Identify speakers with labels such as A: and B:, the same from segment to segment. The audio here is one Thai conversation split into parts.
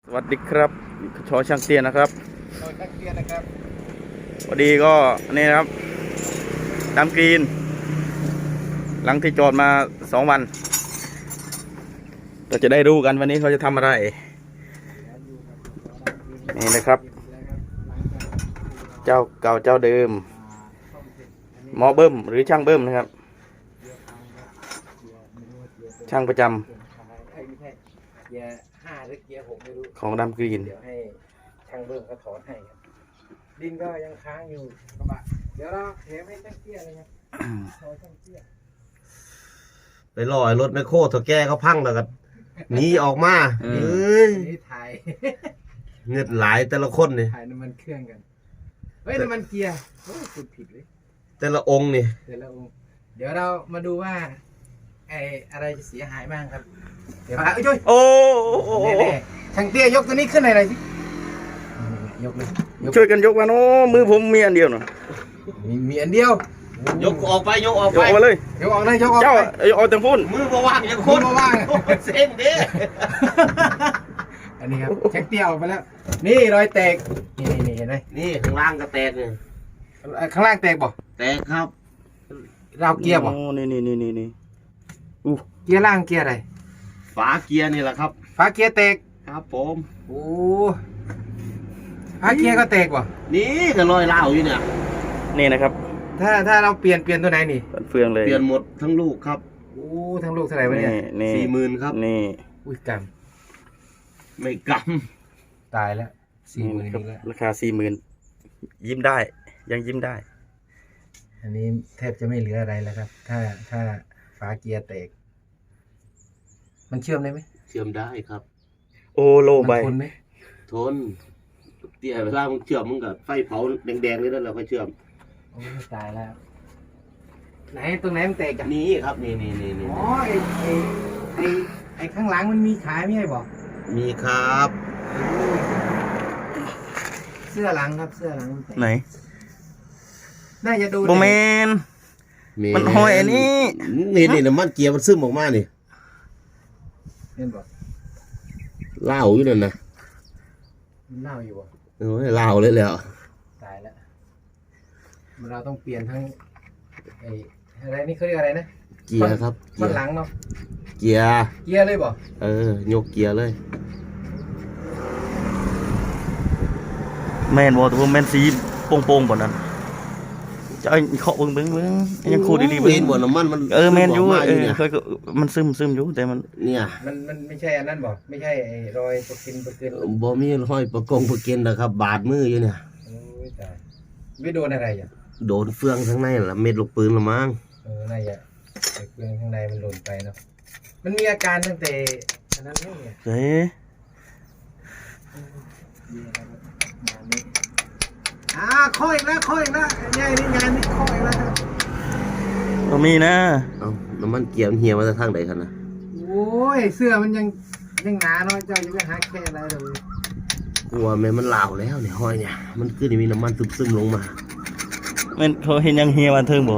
A: วัสดีครับชอช่างเตี้ยนะครับ
B: ชอช่างเตี้ยนะครับ
A: พอดีก็นี่นะครับดำกรีนหลังที่จอดมา2 วันเราจะได้รู้กันวันนี้เขาจะทำอะไรนี่นะครับเจ้าเก่าเจ้าเดิมหมอเบิ้มหรือช่างเบิ้มนะครับช่างประจำ
B: เกียร์5หรือเกียร์6ไม่รู้
A: ของดำกรีน
B: เดี๋ยวให้ช่างเบิ้มเขาถอนให้ครับดินก็ยังค้างอยู่กระบะเดี๋ยวเราเทให้ช่างเตี้ยเลยครับชอช่างเตี้ย
C: ไปลอยรถไมโครถอแก้เขาพังแล้วก็หนีออกมา
B: นี่ถ่าย
C: เงินหลายแต่ละคนนี่
B: ถ่ายน้ำมันเครื่องกันเฮ้ยน้ำมันเกียร์โอ้คุณผิดเลย
C: แต่ละองค์นี่
B: แต่ละองค์เดี๋ยวเรามาดูว่าไออะไรจะเสียหายบ้างครับเดี๋ยวมา
A: โอ้
B: ช่างเตี้ยยกตัวนี้ขึ้นหน่อยสิยกเลย
A: ช่วยกันยกมาโน้มือผมมีอันเดียวเนาะ
B: มีอันเดียวย
C: กออกไปยกออกไป
A: เลย
B: ยกออกเลยยกออก
A: เจ้าเอาแต่พุ่น
C: มือมาว่างอย่างคน
B: มาว่าง
C: เส้นเด้
B: อันนี้ครับช่างเตี้ยออกไปแล้วนี่รอยแตกนี่เห็นไหม
C: นี่ข้างล่างก็แตกเลย
B: ข้างล่างแตกบ่
C: แตกครับ
B: เราเกียร์บ่
A: นี่
B: เกียร์ล่างเกียร์อะไร
C: ฝาเกียร์นี่แหละครับ
B: ฝาเกียร์แตก
C: ครับผม
B: โอ้ฝาเกียร์ก็แตกบ่
C: นี่ก็ลอยเล่าอยู่เนี่ย
A: นี่นะครับ
B: ถ้าเราเปลี่ยนตัวไหนนี่
A: เฟืองเลย
C: เปลี่ยนหมดทั้งลูกครับ
B: โอ้ทั้งลูกเท่าไหร่วะเนี่ย
C: 40,000ครับ
A: นี่
B: อุ้ยกำ
C: ไม่ก
B: ตายแล้ว40,000
A: ครับราคา40,000ยิ้มได้ยังยิ้มได้
B: อันนี้แทบจะไม่เหลืออะไรแล้วครับถ้าฝาเกียร์แตกมันเชื่อมได้ไหม
C: เชื่อมได้ครับ
A: โอโลใบ
B: ทนไหม
C: ทนเตี้ยเวลามึงเชื่อมมึงกับไฟเผาแดงๆนี่แล้วเราก็เชื่อม
B: โอ้ตายแล้วไหนตรงไหนมันแตกกัน
C: นี่ครับนี่
B: อ๋อไอ้ข้างหลังมันมีขายไม่ใช่บอก
C: มีครับ
B: เสื้อหลังครับเสื้อหลังมันแตก
A: ไหน
B: น่าจะดู
A: โบแมนมันหอยอันนี้
C: นี่น้ำมันเกียร์มันซึมออกมานี่
B: เห็นบอก
C: เล่าอยู่นั่นนะ
B: เล่าอยู่บ่
C: โอ้ยเล่าเลยแล้ว
B: ตายแล้วเราต้องเปลี่ยนทั้งไอ้อะไรนี่เขาเรียกอะไรนะ
C: เกียร์ครับ
B: มันหลังเนาะ
C: เกียร์
B: เลยบ่
C: ยกเกียร์เลย
A: แมนบอกตัวแมนซีโป่งๆบ่นั้นจะไอ้เขาเบิ้งยังคูดีๆ
C: เห็นบ่น้ำมันมัน
A: แมนอยู่เคยมันซึมอยู่แต่มัน
C: เนี่ย
B: มันไม่ใช่อันนั้นบ่ไม่ใช่ไอ้รอยประกิน
C: บ่มีรอยประกินนะครับบาดมืออยู่เนี่ย
B: โอ้ยตายไม่โดนอะไรอ่ะ
C: โดนเฟืองข้างในละเม็ดลูกปืนละมั้ง
B: น่าจะเฟืองข้างในมันหล่นไปเนาะมันมีอาการตั้งแต่อันนั้นเนี่ยข้ออีกแล้วงานนี้ข้ออีกแล้วครับ
A: ก็มีนะ
C: น้ำมันเกียร์เหี่ยวมาจากทางไหนกันนะ
B: โอ้ยเสื้อมันยังหนาเนาะเจ้าจะไปหาแค่อะไรเลย
C: กลัวแม่มันเหลาแล้วเนี่ยห้อยเนี่ยมันขึ้นมีน้ำมันซึมลงมา
A: มันเขาเห็นยังเหี่ยวมาเทิงบ่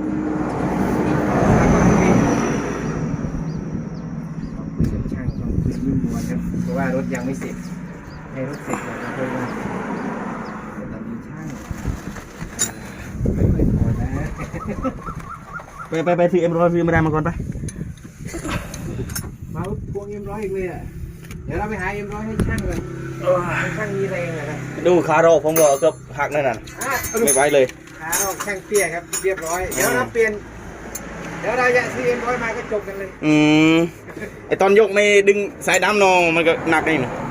B: ช่างต้องคุยยิ้มหัวกันเพราะว่ารถยังไม่เสร็จให้รถเสร็จก่อนนะเพื่อนว่าตอนนี้ช่างไม่ค่อยพอนะ
A: ไปถือM100ซื้อมาได้มาก่อนไป
B: มาพวงM100อีกเลยอ่ะเดี๋ยวเราไปหาM100ให้ช่างกันช่างมีแรงนะครับ
A: ดูขาโรผมก็เกือบหักนั่นน่ะไม่ไหวเลย
B: ขาโรช่างเตี้ยครับเรียบร้อยเดี๋ยวเราจะซื้อM100มาก็จบกันเลย
A: ไอตอนยกไม่ดึงสายดำนองมันก็หนักนี่นะ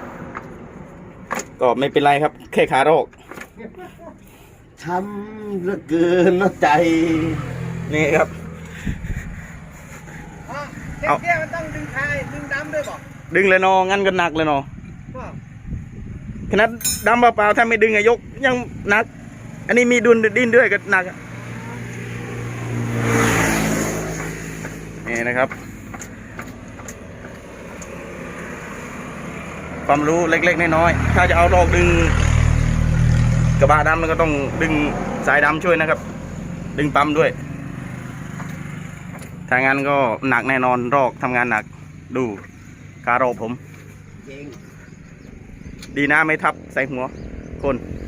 A: ก็ไม่เป็นไรครับแค่ขาโรค
C: ช้ำเหลือเกินนะใจ
A: นี่ครับ
B: เอาเตี้ยมันต้องดึงท้ายดึงดำด้วยบอก
A: ดึงเลยนองั้นก็หนักเลยนอขนาดดำเปล่าๆถ้าไม่ดึงยกยังหนักอันนี้มีดิ้นด้วยก็หนักนี่นะครับความรู้เล็กๆน้อยๆถ้าจะเอาดอกดึงกระบะดำมันก็ต้องดึงสายดำช่วยนะครับดึงปั๊มด้วยถ้างั้นก็หนักแน่นอนรอกทำงานหนักดูการโรผมดีนะไม่ทับใส่หัวคน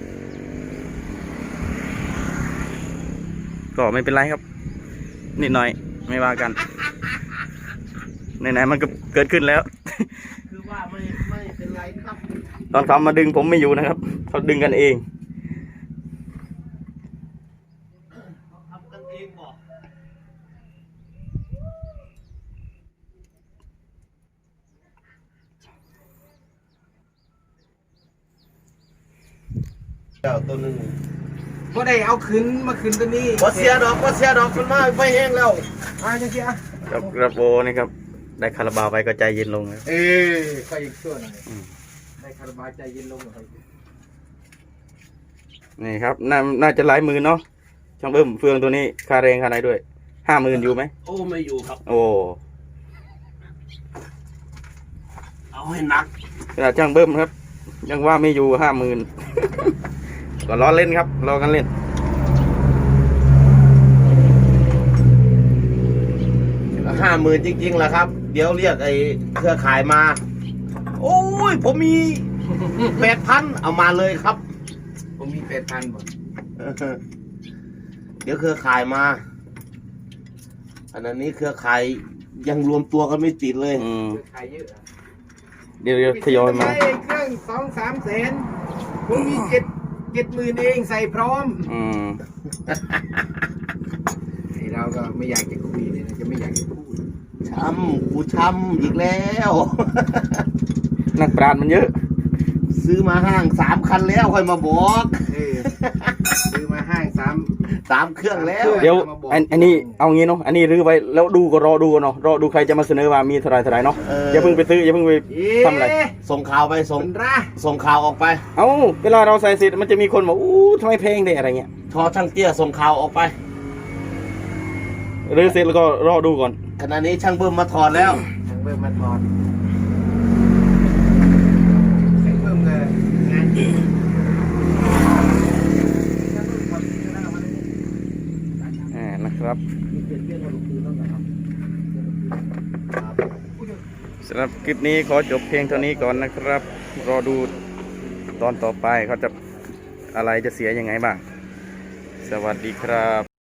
A: ก็ไม่เป็นไรครับนิดหน่อยไม่ว่ากันไหนๆมันก็เกิดขึ้นแล้ว
C: คือว่าไม่เป็นไรครับ
A: ตอนเขามาดึงผมไม่อยู่นะครับเขาดึงกันเอง
C: ทำกันเองบอกเจ้าตัวหนึง
B: ก็ได้เอาขึ้นมาขึ้นตัวนี้
C: บ่เสียดอกมันมาไฟแห้งแล้ว
B: มาจังซี่อ่ะ
A: กับกระโปนี่ครับได้คาราบาวไปก็ใจเย็นลงครับ
B: ค่อยอีกชั่วหน่อยได้คาราบาวใจเย็นลงหน่อย
A: นี่ครับน่าจะหลายหมื่นเนาะช่างเบิ้มเฟืองตัวนี้ค่าแรงค่าไหนด้วย50,000อยู่ไหม
C: โอ้ไม่อยู่ครับ
A: โอ้
C: เอาให้หนัก
A: ขนาดช่างเบิ้มครับ ยังว่าไม่อยู่50,000 ก็ล้อเล่นครับล้อกันเล่น
C: 50,000จริงๆแหละครับ เดี๋ยวเรียกไอ้เครือข่ายมา โอ้ยผมมี 8,000เอามาเลยครับ
B: ผมมี8,000บ่
C: เดี๋ยวเครือข่ายมา อันนี้เครือข่ายยังรวมตัวกันไม่ติดเลย
B: ขายเยอะอะ
A: เดี๋ยวทยอยมา
B: เครื่อง2-3 แสนผมมี70,000เองใส่พร้อมไอเราก็ไม่อยากจะคุยเลยนะจะไม่อยากจะพูด
C: กูช้ำอีกแล้ว
A: นักปราชญ์มันเยอะ
C: ซื้อมาห้าง3 คันแล้วค่อยมาบอก
B: ซื้อมาห้าง
C: 3 เครื่องแล้ว
A: เดี๋ยวอันนี้เอางี้เนาะอันนี้รื้อไว้แล้วดูก็รอดูกันเนาะรอดูใครจะมาเสนอว่ามีเท่าไหรเนาะอย่าเพิ่งไปซื้ออย่าเพิ่งไปทำอะไร
C: ส่งข่าวไปส่ง
B: มันร่า
C: ส่งข่าวออกไป
A: เอ้าเวลาเราใส่เสร็จมันจะมีคนบอกอู้ทำไมแพงได้อะไรเงี้ย
C: ทอช่างเตี้ยส่งข่าวออกไป
A: รื้อเสร็จแล้วก็รอดูก่อน
C: ขณะนี้ช่างเบิ้มมาถอดแล้ว
B: ช่างเบิ่มมาถอนช่างเบิ่มเลยงานจริง
A: นะครับสำหรับคลิปนี้ขอจบเพียงเท่านี้ก่อนนะครับ รอดูตอนต่อไปเขาจะอะไรจะเสียยังไงบ้างสวัสดีครับ